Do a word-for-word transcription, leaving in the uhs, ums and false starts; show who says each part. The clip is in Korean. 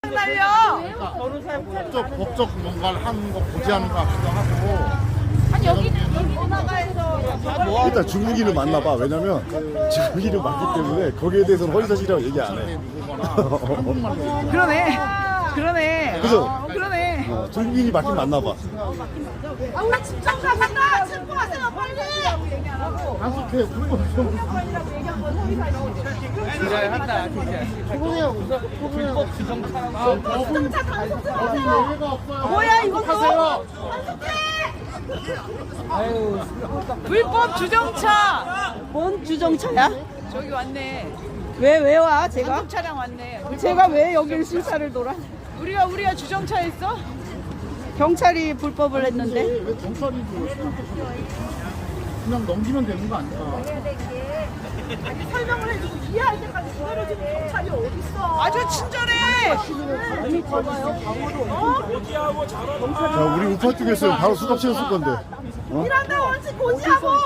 Speaker 1: 날려.
Speaker 2: 법적, 법적 뭔가를 하는 거 고지하는 것 같기도 하고.
Speaker 1: 아니 여기 여기 문화가에서
Speaker 3: 일단 중국인을 만나봐. 왜냐면 중국인을 맞기 때문에 거기에 대해서는 허위사실이라고 얘기 안 해.
Speaker 1: 그러네. 그러네.
Speaker 3: 그죠?
Speaker 1: 어, 그러네.
Speaker 3: 어, 중국인이 맞긴 맞나봐.
Speaker 1: 아, 나 집중 가간다. 체포하세요 빨리.
Speaker 2: 단속해, 불법 좀.
Speaker 4: 한다 진짜. 불법 주정차라고.
Speaker 1: 주정차 단속 좀 하세요.
Speaker 2: 예외가 없어요.
Speaker 1: 뭐야 이거
Speaker 2: 하세요.
Speaker 4: 아유.
Speaker 1: 불법 주정차.
Speaker 5: 뭔 주정차야?
Speaker 1: 저기 왔네.
Speaker 5: 왜 왜 와 제가?
Speaker 1: 단속 차량 왔네. 불법.
Speaker 5: 제가 왜 여기를 수사를 돌아?
Speaker 1: 우리가 우리가 주정차 했어?
Speaker 5: 경찰이 불법을 했는데.
Speaker 2: 왜 경찰이 그냥 넘기면 되는 거 아니야?
Speaker 1: 설명을 해주고 이해할 때까지 기다려주는 경찰이 어딨어? 아주 친절해.
Speaker 5: 아니 봐봐요 방으로.
Speaker 3: 자, 우리 우파 쪽이었으면 바로 수갑 채웠을 건데. 어?
Speaker 1: 일한다 원칙 고지하고.